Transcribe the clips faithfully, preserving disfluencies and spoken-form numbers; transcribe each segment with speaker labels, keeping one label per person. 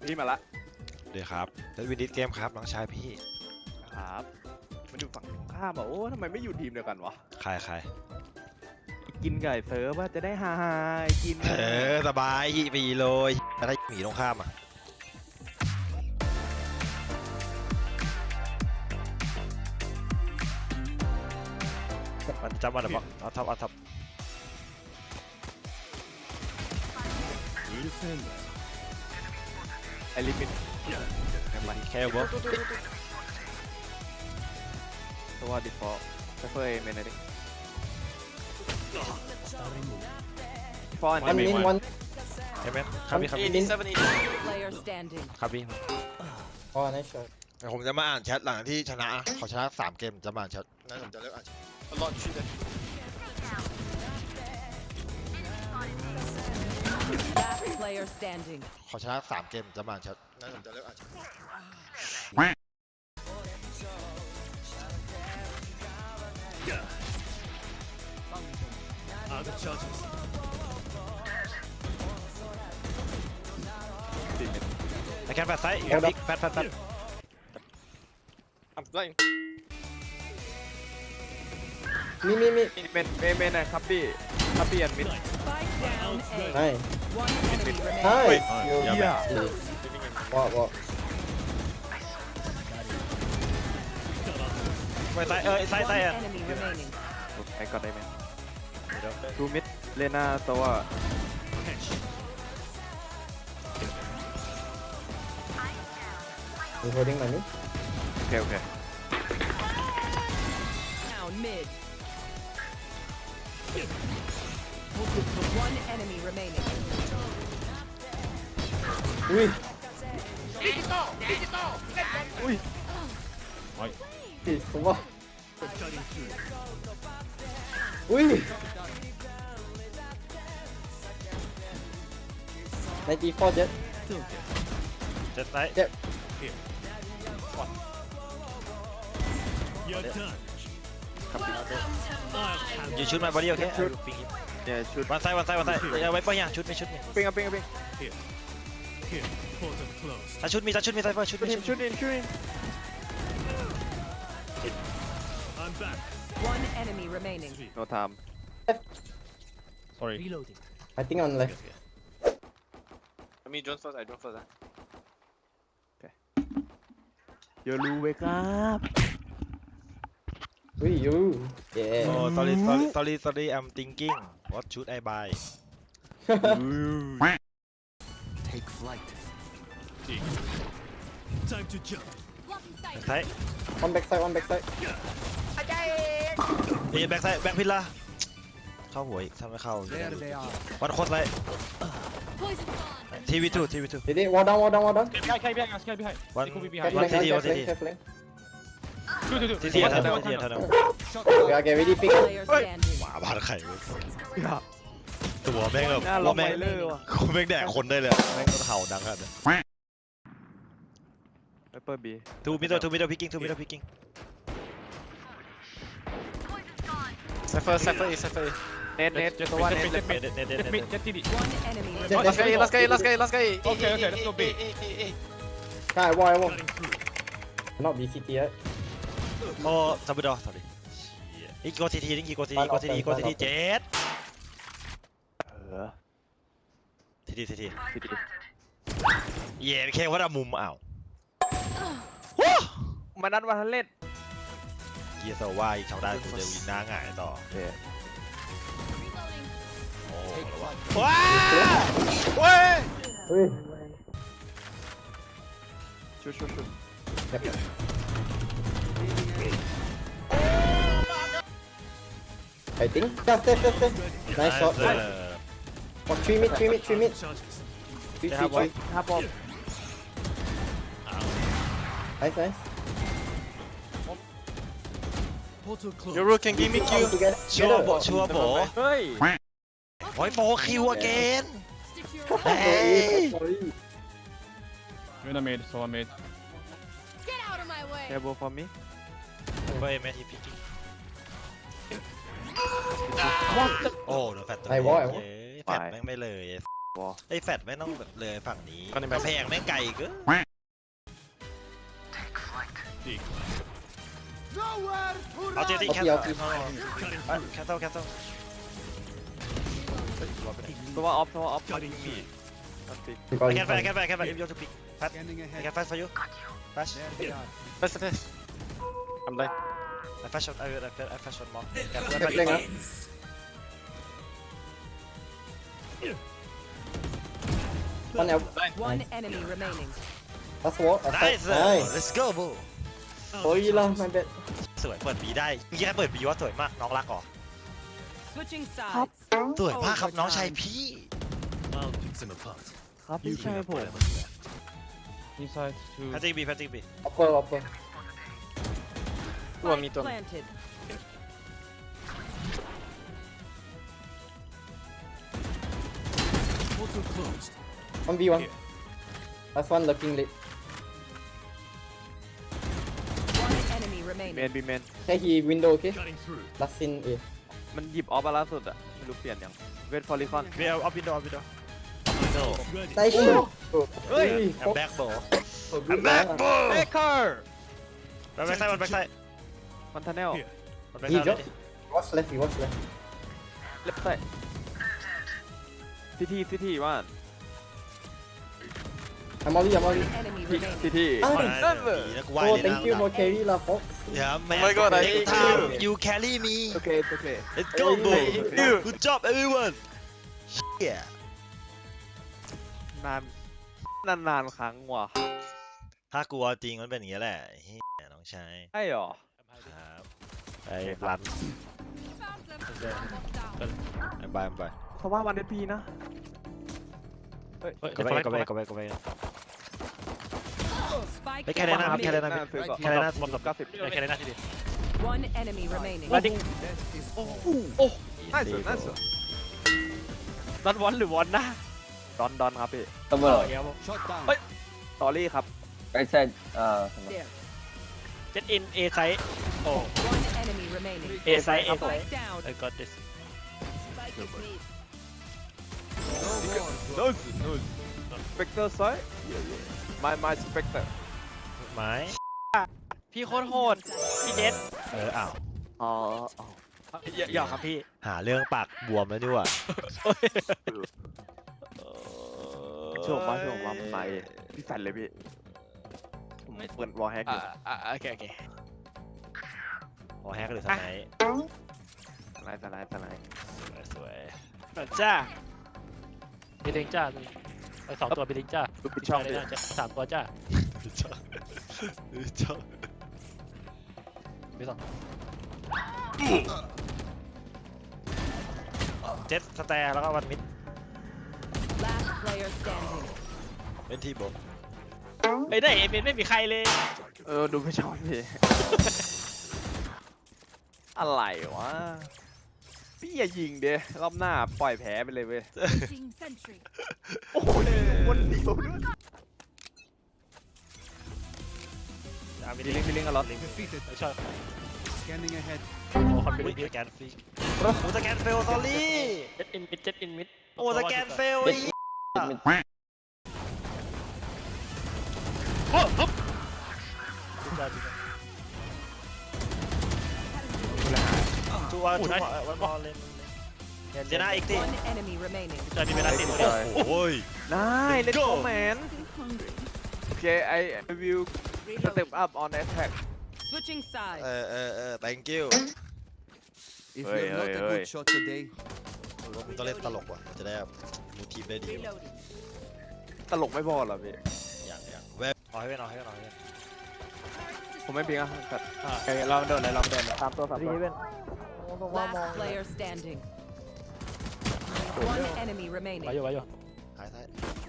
Speaker 1: พี่มาละ
Speaker 2: เดี๋ยวครับแล้ววินิทเกมครับน้องชายพี่
Speaker 1: ครับมันอยู่ฝั่งตรงข้ามอ่ะโอ้ทำไมไม่อยู่ทีมเดียวกันวะ
Speaker 2: ใครใคร
Speaker 1: กินไก่เซิร์ฟว่าจะได้ฮาฮากิน
Speaker 2: เออสบายปีเลยถ้าหมีตรงข้ามอ่ะมันจำมันหรอปะเอาทับเอาทับ
Speaker 1: ไอลิมิต
Speaker 2: แค่บอส
Speaker 1: ตัวดิฟอลต์ไซเฟอร์เอเมนอะไรดิฟอลต์
Speaker 3: One in one.
Speaker 2: เห็นไหมครับพี่ครับพี่
Speaker 4: Player standing.
Speaker 2: ครับพี่
Speaker 3: Oh, nice shot.
Speaker 2: ผมจะมาอ่านแชทหลังที่ชนะขอชนะสามเกมจะมาอ่านแชทนั่นผมจะเลิกอ่านแชท
Speaker 4: Last player standing.
Speaker 2: ขอชนะสามเกมจะมาอ่านแชทนั่นผมจะเลิกอ่านแชทไอ้แคนแฟร์ไซส์บิ๊กแฟร์แฟร์แฟร์
Speaker 1: I'm flying
Speaker 3: Me, me, me.
Speaker 1: เมนเมนเมนนะครับพี่ครับพี่อันมิด
Speaker 4: Spike down A.
Speaker 3: Nice.
Speaker 4: One enemy remaining.
Speaker 3: Nice. Yo,
Speaker 2: Yeah,
Speaker 1: yeah.
Speaker 3: What, what?
Speaker 2: ไปไซส์เออไซส์ไซ
Speaker 4: One
Speaker 2: ส์อ่ะ
Speaker 4: enemy remaining.
Speaker 1: ไอ้ก็ได้ไหมดูมิดเลน่าตัว
Speaker 3: You holding money?
Speaker 1: โอเคโอเค
Speaker 4: Down mid. One enemy remaining.
Speaker 3: Ui.
Speaker 1: Ui.
Speaker 3: Ui, semua. Ui. ninety-four jet.
Speaker 2: เจ็ดไซส์
Speaker 3: Jet.
Speaker 5: You're done.
Speaker 2: อยู่ชุดมาบอดี้โอเค
Speaker 1: ชุด
Speaker 2: ปิง
Speaker 1: เนี่ยชุด
Speaker 2: วันไซส์วันไซส์วันไซส์เอาไว้ป่ะเนี่ยชุดมีชุดมี
Speaker 1: ปิ้งอ่ะปิ้งอ่ะปิ้ง
Speaker 5: Here, portal closed.
Speaker 2: ถ้าชุดมีถ้าชุดมีไซส์ชุด
Speaker 1: ชุด
Speaker 2: มี
Speaker 1: อินชุดอินชุดอิน
Speaker 5: I'm back.
Speaker 4: One enemy remaining.
Speaker 1: โนไทม์
Speaker 2: sorry
Speaker 5: Reloading.
Speaker 3: I think on left.
Speaker 1: Me drone first I drone first นะโอเคอย่ารู้เว้ยครับ
Speaker 3: Ui, you. Yeah.
Speaker 2: oh sorry sorry sorry sorry I'm thinking what should I buy
Speaker 5: Take flight. Time to jump.
Speaker 2: ไซส์
Speaker 3: One backside, one backside.
Speaker 2: เฮ้ยแบ็คไซส์แบ็คพิลล่าเข้าหัวอีกทำไม่เข้า
Speaker 5: There they are.
Speaker 2: วันโคตรไซส์ทีวีทูทีวีทู
Speaker 3: Did it? Wall down, wall down, wall down.
Speaker 6: Sky, sky behind, sky behind.
Speaker 2: วัน
Speaker 6: They could be
Speaker 3: แค่
Speaker 6: behind.
Speaker 2: วัน
Speaker 3: flank,
Speaker 2: ทีที
Speaker 3: แค่
Speaker 2: วันที
Speaker 3: flank,
Speaker 2: ที
Speaker 3: แค่ flank.
Speaker 6: Two, two, two.
Speaker 2: ทีทีเท่านั้นทีทีเท่านั้น
Speaker 3: Yeah, get ready, pick.
Speaker 4: Player standing.
Speaker 2: หมาบ้านไข่เว้ยตัวแม่งแบบ
Speaker 1: หน้าล
Speaker 2: ว่าง
Speaker 1: ไป
Speaker 2: แม่ง
Speaker 1: เลยว่ะ
Speaker 2: แม่งแดกคนได้เลยแม่งเห่าดังขนาดนั้น
Speaker 1: ไวเปอร์บี
Speaker 2: ทูมิดเดิลทูมิดเดิลพิกกิ้งทูมิดเดิลพิกกิ้ง
Speaker 1: Cypher Cypher is Cypher is เน็ตเน็ต
Speaker 6: Just
Speaker 1: ตัว
Speaker 6: mid,
Speaker 1: ว่า
Speaker 6: just
Speaker 1: เน็ต
Speaker 6: mid,
Speaker 1: เน็ต
Speaker 6: just
Speaker 2: เน็ต
Speaker 6: mid.
Speaker 2: เน็ตเน็ต
Speaker 6: Just
Speaker 2: เน็
Speaker 6: mid,
Speaker 2: ต
Speaker 6: just T D.
Speaker 4: One enemy
Speaker 3: Just-
Speaker 4: remaining.
Speaker 1: Last guy last guy last guy last guy
Speaker 6: Okay, okay, let's go B.
Speaker 3: Nah, I wall, I wall.
Speaker 5: Cutting through.
Speaker 3: Not B C T yet.
Speaker 2: โอ้ซับเบอร์ดอส sorry อีกโกทีทีนี่กี่โกทีทีโกทีทีโกทีทีเจ็ด
Speaker 1: เออ
Speaker 2: ทีทีทีที
Speaker 1: ทีดี
Speaker 2: เย่แค่ว่ามุมอ้าว
Speaker 1: มานัดวันทันเล่น
Speaker 2: เกียร์โซว่าอีกชาวด้านกูจะวินหน้าหงายต่อ
Speaker 1: โอเค
Speaker 2: โอ้ว้าเว้ย
Speaker 3: Ui.
Speaker 1: ชุดชุดชุด
Speaker 3: Yep. I think. Yeah, stay, stay, stay. Nice shot. Oh, three mid, three mid, three mid.
Speaker 5: Charges.
Speaker 3: Three,
Speaker 2: They
Speaker 3: three,
Speaker 2: have one.
Speaker 3: three.
Speaker 1: ห้าบอม
Speaker 3: Nice, nice.
Speaker 5: Portal closed.
Speaker 1: Yoru can give me kill
Speaker 3: Together.
Speaker 2: ชัวร์โบชัวร์โบ
Speaker 1: เฮ้ย
Speaker 2: โอ้ยโบคิวอเกน
Speaker 3: Sorry, sorry.
Speaker 6: You're in the mid, so I'm mid.
Speaker 4: Get out of my way.
Speaker 1: แคร์บอล for me
Speaker 2: เว้ยแมททีพิกกิ้งโอ้โดนแฟตตัว
Speaker 3: ไอ้วะไอ้วะ
Speaker 2: แฟตแม่งไม่เลยไอ้แฟดไม่ต้องแบบเลยฝั่งนี้กำแพงแม่งไกลเกิน
Speaker 5: Nowhere to
Speaker 2: เอาเจ
Speaker 5: run.
Speaker 2: ตี้แคท
Speaker 3: เอา
Speaker 2: แค
Speaker 3: เกี่
Speaker 2: ท
Speaker 3: ยว
Speaker 2: แคทแคท
Speaker 1: ตัวออฟตัวออฟ
Speaker 5: Cutting through.
Speaker 3: ก่อน
Speaker 2: แคทแฟดแคทแฟดแคทแฟดยูทูปิกแฟด
Speaker 5: Scanning
Speaker 2: แค
Speaker 5: ahead.
Speaker 2: ทแฟด for you flash
Speaker 5: There they are.
Speaker 1: Flash flash I'm blind
Speaker 2: I flash shot I will I flash shot more
Speaker 3: เก็บเล่นครับ One L.
Speaker 4: One enemy remaining.
Speaker 3: That's what. I
Speaker 2: nice
Speaker 3: thought. Nice.
Speaker 2: let's go bro
Speaker 3: Oh, you love my bed.
Speaker 2: สวยเปิดบีได้เมื่อกี้เปิดบีว่าสวยมากน้องรักเหรอ
Speaker 4: Switching sides.
Speaker 2: สวยมากครับน้องชายพี่
Speaker 5: I'll pick them apart.
Speaker 1: ครับพี่ชายผม
Speaker 6: Inside to
Speaker 2: แพตติกบีแพตติกบี
Speaker 3: Upper, upper.
Speaker 1: ตัวมีตัว
Speaker 4: Planted.
Speaker 5: Portal closed.
Speaker 3: One v one. Last one looking late.
Speaker 4: One enemy
Speaker 1: เม
Speaker 4: remaining.
Speaker 1: นบีเมน
Speaker 3: Hey, he window, okay?
Speaker 5: Cutting through.
Speaker 3: Last in A.
Speaker 1: มันหยิบออฟมาล่าสุดอะไม่รู้เปลี่ยนยังเวทฟอริคอน
Speaker 2: บีเอาเอาวินโดว์เอาวินโดว์
Speaker 5: Ready.
Speaker 3: Nice shot. Oh,
Speaker 1: Oi.
Speaker 3: hey,
Speaker 2: แอมแบ็กโบ
Speaker 3: oh,
Speaker 2: แอ
Speaker 3: good
Speaker 2: มแบ็ก
Speaker 3: man.
Speaker 2: โบ
Speaker 1: เบเกอร์
Speaker 2: มันแบ็กไซด์มันแบ็กไซด์
Speaker 1: มันทันแนล
Speaker 5: Here.
Speaker 2: มันแบ็ก
Speaker 3: He
Speaker 2: ไซด์
Speaker 3: drop. Watch left, he watch left.
Speaker 1: เล็บใส่ทีทีทีทีว่า
Speaker 3: I'm only, I'm only.
Speaker 4: Enemy
Speaker 1: ที
Speaker 4: remaining.
Speaker 1: ทีที
Speaker 3: Ah,
Speaker 1: นั่นเลย
Speaker 2: แล้วกูไหว
Speaker 3: oh,
Speaker 2: เลยนะ
Speaker 3: thank you for carry lah, Fox.
Speaker 2: อย่าแม่
Speaker 1: Oh my god, I
Speaker 2: Next
Speaker 1: hate
Speaker 2: time
Speaker 1: you.
Speaker 2: you carry me
Speaker 1: โอเคโอเค
Speaker 2: let's go bro good job everyone yeah
Speaker 1: นานนานนานครั้งว่ะ
Speaker 2: ถ้ากลัวจริงมันเป็นอย่างนี้แหละเฮ้ยน้องชาย
Speaker 1: ใช่หรอ
Speaker 2: ครับไปรัน ไปไปไป
Speaker 1: เพราะว่าวันเดพีนะ
Speaker 2: ก็ไปก็ไปก็ไปก็ไป
Speaker 4: Spike
Speaker 2: ไปแค่นั้นนะครับ
Speaker 4: down
Speaker 2: แค่
Speaker 4: mid.
Speaker 2: นั้นนะ
Speaker 1: ซื้อก่อน
Speaker 2: แค่นั้นนะ
Speaker 1: หมดเก้าสิบ
Speaker 2: แค่นั้นนะที่ดี
Speaker 4: One enemy remaining.
Speaker 5: That is all.
Speaker 1: น่าสุดน่าสุดดอนวอนหรือวอนนะดอนดอนครับพี่
Speaker 7: Double.
Speaker 5: Shot down.
Speaker 1: สอรี่ครับ
Speaker 7: Right side. Uh,
Speaker 4: There.
Speaker 8: เจ็ดอินเอไซส์โอ้
Speaker 4: One enemy remaining.
Speaker 8: เอไซส์เอไซส์
Speaker 4: Spike down.
Speaker 8: I got this
Speaker 4: Spike is mid.
Speaker 5: No more.
Speaker 1: โน้ตโน้ตสเปกเตอร์ไซด์ไม่ไม่สเปกเตอร์
Speaker 2: ไม้
Speaker 8: พี่โคตรโหดพี่เจษ
Speaker 2: เอออ้าว
Speaker 1: อ๋อ
Speaker 8: อย่าอย่าครับพี่
Speaker 2: หาเรื่องปากบวมแล้วดีกว่า
Speaker 1: ช่วงมาช่วงมามันมาเองพี่แฟนเลยพี่ผมเปิดวอลแฮกอยู่
Speaker 8: อ่าโอเคโอเค
Speaker 2: พอแฮกหรือสไนป์
Speaker 1: สไลด์สไลด์สไลด์
Speaker 2: สวย
Speaker 8: เหมือนจ้าบิลลิงจ้าไปสองตัวบิลลิงจ้า
Speaker 1: ดูปิดช่อง
Speaker 8: ไป
Speaker 1: ดิ
Speaker 8: เลยนะสามตัวจ้า
Speaker 2: ชอบชอบ
Speaker 8: ไปสอง
Speaker 2: เจ็ดสแตร์แล้วก็วันมิด
Speaker 4: Last player standing.
Speaker 2: เป็นทีโบ
Speaker 8: ไอ้ได้เอเมนไม่มีใครเลย
Speaker 1: เออดูปิดช่องพี่อะไรวะพี่อย่ายิงเด้รอบหน้าปล่อยแผลไปเลยเว้ย
Speaker 4: Sentry.
Speaker 1: โอ้โหคนเดียวด้วย
Speaker 2: อ่ะมี
Speaker 1: มี
Speaker 2: ลิ
Speaker 1: ลิ
Speaker 2: ง
Speaker 1: ง
Speaker 2: ก์
Speaker 1: ก์มีลิงก์กันเหรอ
Speaker 5: Defeated.
Speaker 8: ไม่ชอบ
Speaker 5: Scanning ahead.
Speaker 8: โอ้คอนเฟ
Speaker 2: อุ้
Speaker 8: ลิ
Speaker 2: ย
Speaker 8: ก
Speaker 2: สแกนฟรีโอ้สแกนเฟลสอรี่
Speaker 8: เจ็ดอินมิดเจ็ดอินมิด
Speaker 2: โอ้สแกนเฟลไอ้
Speaker 8: โอ้ปุ๊บ
Speaker 2: ตัวตัววันบอลเล่นเจน่าอีกที
Speaker 4: One enemy remaining.
Speaker 8: จะมีเวลาติดเลย
Speaker 2: โอ้ย
Speaker 1: ได้เล่นโกแมนโอเค I I will step up on attack
Speaker 4: Switching
Speaker 2: เอ
Speaker 4: sides.
Speaker 2: อเออเออ thank you
Speaker 5: If
Speaker 1: Oi,
Speaker 5: you're not
Speaker 1: oi,
Speaker 5: a
Speaker 1: oi.
Speaker 5: good shot today,
Speaker 2: มึงต้องเล่นตลกว่ะจะได้แบบมูทีมได้ดี
Speaker 4: Reloading.
Speaker 1: ตลกไม่พอเหรอพี่
Speaker 2: อย่างอย่างเว็บเอาให้เป็นเอาให้เป็นเอาให้เป็น
Speaker 1: ผมไม่เพียงอ่ะแต่โอเคเราเดินเลยเราเดินตามตัวสามตัว
Speaker 4: Last player standing. One enemy
Speaker 8: ไว้
Speaker 4: remaining.
Speaker 8: อยู่ไว้อยู่
Speaker 2: ท้ายท้าย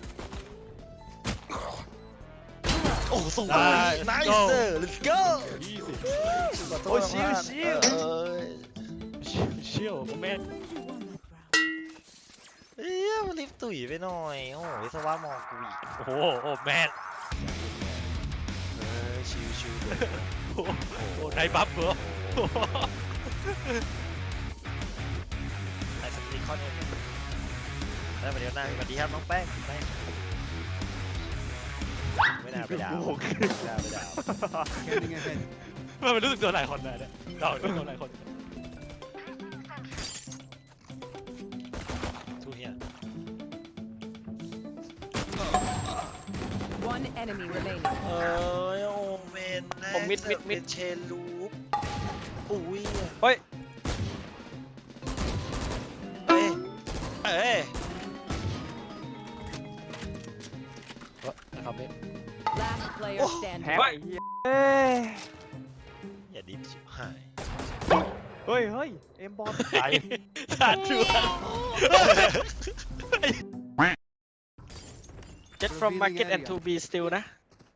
Speaker 2: โอ้สวย nice let's go
Speaker 1: โอ้ชิวชิว
Speaker 2: เอ้ย
Speaker 8: ชิวชิวโมเมนต์
Speaker 2: เอ้ยมันลิฟต์ตุ๋ยไปหน่อยโอ้ยวิศวะมองกูอีก
Speaker 8: โอ้โหโอ้แมน
Speaker 2: เออชิวชิวเลย
Speaker 8: โอ้โหไดบัฟเหรอ
Speaker 2: ไอ้สติคอนเองไอ้ได้มาเดี๋ยวหน้าสวัสดีครับน้องแป้งแป้งไม่น่าไปด่าไม่น่าไปด่า
Speaker 5: Scanning ahead.
Speaker 8: มันรู้สึกโดนหลายคนเลยเนี่ยเราโดนหลายคน
Speaker 2: ทูเฮีย
Speaker 4: One enemy remaining.
Speaker 2: เออโอเมนนะ
Speaker 1: ผมมิดมิดมิด
Speaker 2: เป็นเชนลูปอุ้ย
Speaker 1: เฮ้ย
Speaker 2: เอ้ยเอ้ย
Speaker 8: นะครับเนี่ย
Speaker 4: Last player standing.
Speaker 1: แพ้ไอ้เหี้ยเอ้ย
Speaker 2: อย่าดิฟชิบหาย
Speaker 1: เฮ้ยเฮ้ยเอ็มบอล
Speaker 8: ตายตาชัว
Speaker 1: Jet from market and to be still นะ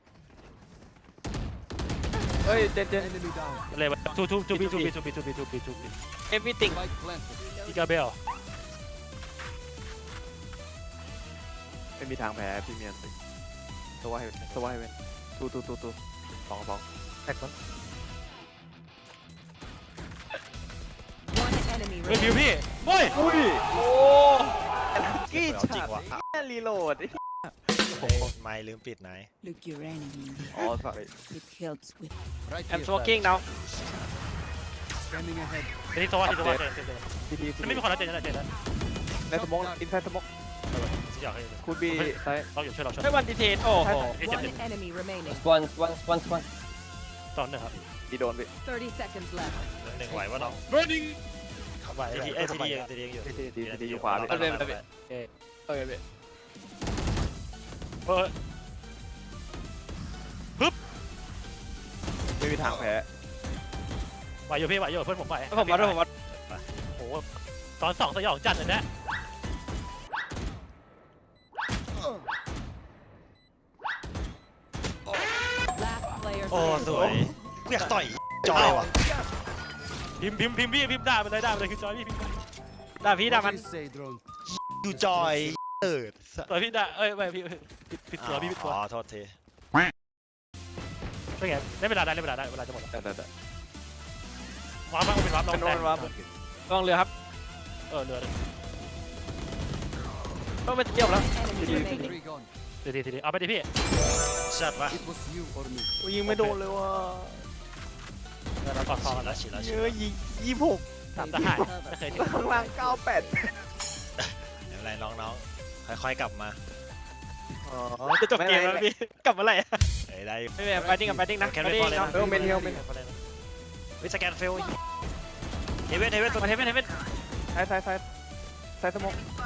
Speaker 1: เฮ้ยเด็ดเด็ด
Speaker 5: Enemy down.
Speaker 8: อะไรวะทูทูทูบีทูบีทูบีทูบีทูบีทูบี
Speaker 1: everything
Speaker 5: Spike planted.
Speaker 8: อีกาเบล
Speaker 1: ไม่มีทางแพ้พี่เมียนสิตัวให้ตัวให้เว้นตูตูตูตูสองสองแท็กมัน
Speaker 4: One enemy
Speaker 8: เฮ้ยพิว
Speaker 4: remaining.
Speaker 8: พี่โอ้ย
Speaker 1: อุ้ยโอ้กี้
Speaker 2: เอาจริงวะ
Speaker 1: รีโหลด
Speaker 2: ไม่ลืมปิดไหน
Speaker 4: Look your enemy in the
Speaker 1: อ๋อ sorry
Speaker 4: It helps with
Speaker 5: Right
Speaker 1: I'm
Speaker 5: here.
Speaker 1: smoking now
Speaker 5: Scanning ahead.
Speaker 8: เดี๋ยวนี้โซว่าที่โซว่าเจนเจนเจน
Speaker 1: ทีที
Speaker 8: มันไม่มีคนรับเจนแล้วเจนแล้ว
Speaker 1: ในสมองอินไซด์สมอง
Speaker 8: สิอยากให้
Speaker 1: คุณบีไซด์
Speaker 8: เราอยู่ช่วยเราช่วย
Speaker 1: ไม่วันดีเทนโอ้โห
Speaker 4: one enemy remaining.
Speaker 3: One, one, one, one.
Speaker 8: ตอนหนึ่งครับ
Speaker 1: ดีโดนไป
Speaker 4: Thirty seconds left.
Speaker 2: หนึ่งไหววะน้อง
Speaker 8: running
Speaker 2: ไหวทีเอ้ยทีดีทีดีอยู่
Speaker 1: ทีทีทีทีอยู่ขวาไป
Speaker 2: เอาเลยเอาเลย
Speaker 1: เออเออ
Speaker 8: เฮ้ย
Speaker 1: ไม่มีทางแพ้
Speaker 8: ไหวอยู่พี่ไหวอยู่เพื่อนผมไหว
Speaker 1: ผมมาด้วยผมมา
Speaker 8: โอ้โหตอนสองสยองจัดเลยนะ
Speaker 4: Last player
Speaker 2: โอ้
Speaker 4: standing.
Speaker 2: สวยกูอยากต่อยจอยว่ะ
Speaker 8: พิมพ์พิมพ์พิมพ์พี่พิมพ์ด่ามันเลยด่ามันเลยคือจอยพี่พิมพ์ด่าพี่ด่า
Speaker 5: What
Speaker 8: มัน
Speaker 5: do you say, drone?
Speaker 2: ดูจอยเอิด
Speaker 8: ตัวพี่ด่าเอ้ยไม่พี่ผิดผิดตัวพี่ผิดตัว
Speaker 2: อ๋อโทษที
Speaker 8: เป็นไงได้เวลาได้เวลาได้เวลาจะหมดแล้ว
Speaker 1: แต่แต่แต่
Speaker 8: วาร์ปบ้างเป็นวาร์ปลอง
Speaker 1: เป็น
Speaker 8: แต่
Speaker 1: วาร์ป ลองเรือครับ
Speaker 8: เออเรือ
Speaker 1: ต้องไปเที่ยวแล้ว
Speaker 4: Enemy remaining.
Speaker 5: Three gone.
Speaker 8: ทีทีทีเอาไปดิพี่
Speaker 2: ชัดปะ
Speaker 5: It was you or me.
Speaker 1: ยิงไม่โดนเลยว่ะ
Speaker 8: เรากอดคอกัน
Speaker 2: แล้
Speaker 8: แล้ว ว
Speaker 2: ฉีดแล้วฉี
Speaker 1: เย
Speaker 2: ด
Speaker 1: อะยิงยี่หก
Speaker 8: ตามทหารไม่เคยถึง
Speaker 1: ข้างล่างเก้าแปด
Speaker 2: ไม่เป็นไรน้องๆค่อยๆกลับมา
Speaker 1: อ๋อจะจบเกมแล้วพี่กลับมาไหร่
Speaker 2: เอ้ยได้
Speaker 1: ไม่เป็นไปดิ้งกับไปดิ้งนะ
Speaker 2: แคนไม่พอเลยนะ
Speaker 1: เออเมนเฮลเมน
Speaker 2: วิสแกนเฟลเฮเวนเฮเวน
Speaker 1: มาเทปเทปซ้ายซ้ายซ้ายซ้ายสมอง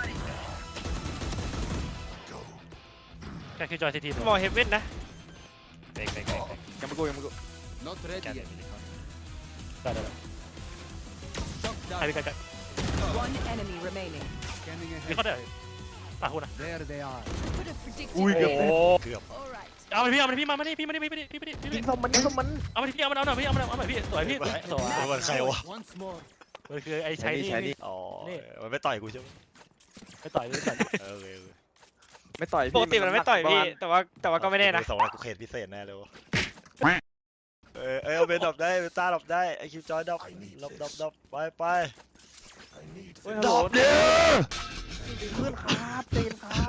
Speaker 8: แค่คือจอยทีที
Speaker 1: มองเฮฟเว่นนะ
Speaker 2: เบรกเบรกเบรก
Speaker 1: ยังไม่กูยังไม่กู
Speaker 5: Not
Speaker 2: แกน
Speaker 5: ready
Speaker 2: เบร
Speaker 5: yet.
Speaker 2: ก
Speaker 8: ได้ได้
Speaker 5: Shot
Speaker 8: ใคร
Speaker 5: down.
Speaker 8: พี่กัน
Speaker 4: One enemy remaining.
Speaker 5: Scanning
Speaker 8: มี
Speaker 5: ahead.
Speaker 8: เขาเด้อตาคุณนะ
Speaker 5: There they are.
Speaker 4: Could have predicted.
Speaker 1: อุ้ยเกือบ
Speaker 2: เกือบ
Speaker 4: All right.
Speaker 8: เอาไปพี่เอาไปพี่มามาดิพี่มาดิพี่มาดิพี่มาดิพี่มา
Speaker 1: ยิ
Speaker 8: ดิ
Speaker 1: งส้มมันยิงส้มมัน
Speaker 8: เอาไปพี่เอามาเอาหน่อยพี่เอามาเอาหน่อยพี่สวยพี่สวยสวย
Speaker 2: มันใครวะ
Speaker 5: Once more.
Speaker 8: มันคือไอ้ชายนี่
Speaker 2: อ๋อมันไม่ต่อยกูใช่ไหม
Speaker 8: ไปต่อยไปต่อย
Speaker 2: เออเออ
Speaker 1: ไม่ต่อยปกติมันไม่ต่อยพี่แต่ว่าแต่ว่าก็ไม่แน่นะ
Speaker 2: สองกูเขตพิเศษแน่เลยวะเออเออเบนดับได้เบนต้าดับได้ไอคิวจอยดับดับดับดับไปไป
Speaker 1: ดับเด้อเพื่อนครับเต้นครับ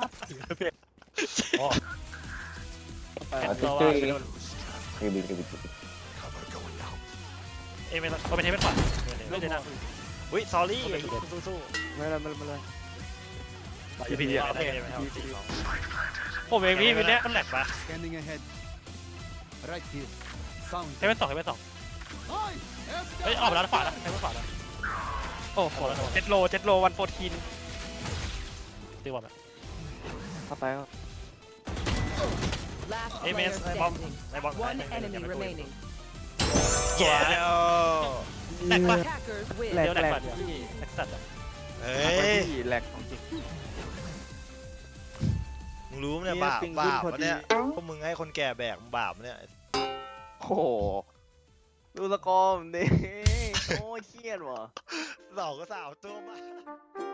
Speaker 8: ตัวว่าไปโดน
Speaker 3: Ribby, ribby, ribby.
Speaker 8: เอ้ไม่ต้องเอาไปเทปขวาไม่ได้นะ
Speaker 2: อุ้ยซอรี่สู้สู้
Speaker 1: ไม่เลยไม่เลยไม่เลย
Speaker 2: พี่พี่ไม่ได้ไม่ได้
Speaker 1: ผมเองพี่วันเนี้ย
Speaker 8: มันแหลกปะ
Speaker 5: Scanning ahead. Right here. Sound.
Speaker 8: เทปสองเทปสอง
Speaker 5: Hi.
Speaker 8: เฮ้ยออกมาแล้วขวาแล้วเทปขวาแล้ว
Speaker 1: โอ้โหเจ็ดโลเจ็ดโลวันโฟร์ทีน
Speaker 8: ตีบอลแบบ
Speaker 1: เข้าไปครับ
Speaker 4: Last
Speaker 2: Hey,
Speaker 4: player
Speaker 2: man, hey, bomb.
Speaker 4: standing.
Speaker 2: ในบอล
Speaker 4: One enemy remaining.
Speaker 2: แย่แล้ว
Speaker 8: แหลกปะ
Speaker 4: Attackers win.
Speaker 1: แหลก
Speaker 8: เดี๋ยวแหล
Speaker 1: แหล
Speaker 8: ก
Speaker 1: ก
Speaker 8: ปะเดี๋ยวแหลกสัตว์
Speaker 2: เฮ้ย
Speaker 1: แหลกของจริง
Speaker 2: มึงรู้ไหมเนี่ยบาปบาปเนี่ยพวกมึงให้คนแก่แบกบาปเนี่ย
Speaker 1: โอ้โหดูสกอร์มันดิโอ้ยเครียดว่ะ
Speaker 2: สองก็สาวตัวมา